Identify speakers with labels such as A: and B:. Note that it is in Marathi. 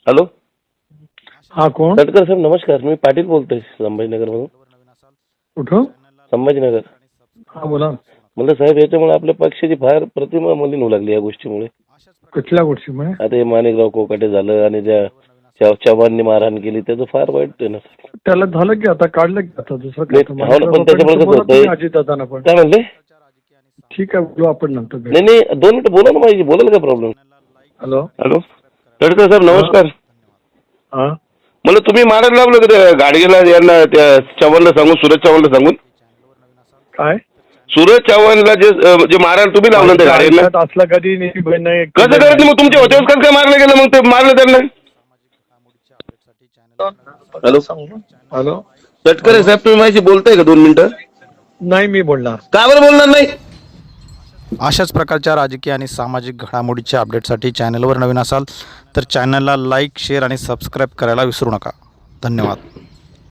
A: हॅलो.
B: हा कोण?
A: तटकर साहेब नमस्कार. मी पाटील बोलतोय संभाजीनगर मधून.
B: कुठं?
A: संभाजीनगर.
B: हा बोला.
A: म्हणलं साहेब याच्यामुळे आपल्या पक्षाची फार प्रतिमा मलिन होऊ लागली या गोष्टीमुळे.
B: कुठल्या गोष्टीमुळे?
A: आता हे माणिकराव कोकाटे झालं आणि ज्या चव्हाणनी मारहाण केली त्याचं फार वाईट आहे ना.
B: त्याला झालं की आता काढलं की आता दुसरं
A: नाही,
B: काय?
A: हो ना, पण त्याच्यामुळे कसं होतंय
B: अजितदादांना पण
A: काय म्हणले?
B: ठीक आहे, बोलू आपण नंतर.
A: नाही नाही 2 मिनिटं बोला ना पाहिजे. बोलायला काय प्रॉब्लेम?
B: हॅलो.
A: हॅलो. तटकर साहेब नमस्कार.
B: हा
A: मला तुम्ही मारायला लावलं का त्या गाडगेला यांना त्या चव्हाणला सांगून सूरज चव्हाणला सांगून?
B: काय?
A: सूरज चव्हाणला जे मारायला तुम्ही लावलं त्या गाडीला
B: आयुष्यात असलं कधी नाही.
A: कसं करत मग तुमच्या होत्यावर कसं काय मारलं गेलं मग ते मारलं त्यांना? हॅलो.
B: हॅलो.
A: तटकरे साहेब तुम्ही माझ्याशी बोलताय का 2 मिनिटं?
B: नाही मी बोलणार.
A: का बरं बोलणार नाही?
C: अशाच प्रकारच्या राजकीय आणि सामाजिक घडामोडीच्या अपडेटसाठी चॅनलवर नवीन असाल तर चॅनलला लाईक, शेअर आणि सबस्क्राईब करायला विसरू नका. धन्यवाद.